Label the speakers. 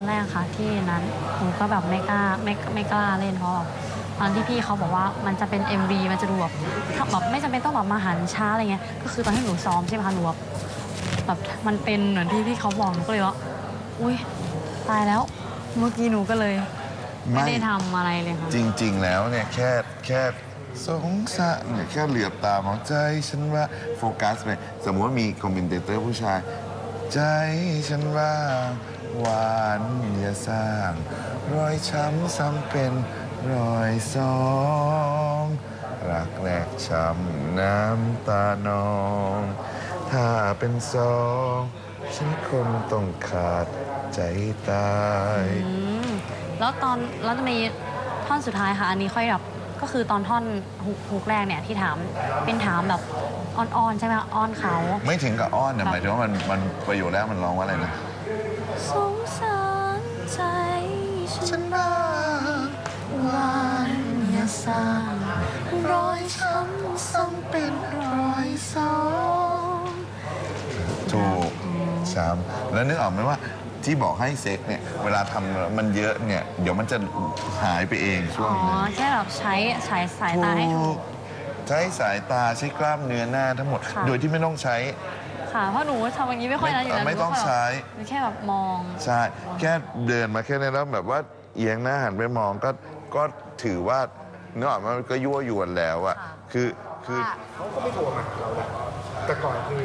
Speaker 1: แรกค่ะที่นั้นหนูก็แบบไม่กล้าเล่นเพราะแบบตอนที่พี่เขาบอกว่ามันจะเป็น MV มันจะดูแบบไม่จำเป็นต้องแบบมาหันช้าอะไรเงี้ยก็คือตอนที่หนูซ้อมใช่ไหมคะหนูแบบมันเป็นเหมือนที่พี่เขาบอกหนูก็เลยว่าอุ้ยตายแล้วเมื่อกี้หนูก็เลยไม่ได้ทำอะไรเลยค่ะ
Speaker 2: จริงๆแล้วเนี่ยแค่สงสารเนี่ยแค่เหลือบตามองใจฉันว่าโฟกัสไปสมมติว่ามีคอมเมนเตอร์ผู้ชายใจฉันว่าหวานอย่าสร้างรอยช้ำซ้ำเป็นรอยสองรักแรกช้ำน้ำตานองถ้าเป็นสองฉันคงต้องขาดใจตาย
Speaker 1: แล้วจะมีท่อนสุดท้ายค่ะอันนี้ค่อยแบบก็คือตอนท่อนฮุกแรกเนี่ยที่ถามเป็นถามแบบอ้อนๆใช่ไหมอ้อนเขา
Speaker 2: ไม่ถึงกับอ้อนนะหมายถึงว่ามันประโยคแรกมันร้องว่าอะไรนะ
Speaker 1: สงสารใจฉัน
Speaker 2: บ้า
Speaker 1: หวานอย่าสร้างรอยช้ำซ้ำเป็นรอยสอง
Speaker 2: ถูกช้ำแล้วนึกออกไหมว่าที่บอกให้เซ็กเนี่ยเวลาทำมันเยอะเนี่ยเดี๋ยวมันจะหายไปเองช่วงนึง
Speaker 1: แค่แบบใช้สายตาให้ถูก
Speaker 2: ใช้สายตาใช้กล้ามเนื้อหน้าทั้งหมดโดยที่ไม่ต้องใช้
Speaker 1: ค่ะเพราะหนูทำอย่างนี้ไม่ค่อยนะอยู่แล้ว
Speaker 2: ไม่ต้องใช้
Speaker 1: แค่แบบมอง
Speaker 2: ใช่แค่เดินมาแค่นี้แล้วแบบว่าเอียงหน้าหันไปมองก็ถือว่าเนื้อออกมันก็ยั่วยวนแล้วอะคือ
Speaker 3: เขาก็ไม่โทรมาหาเราแหละแต่ก่อนคือ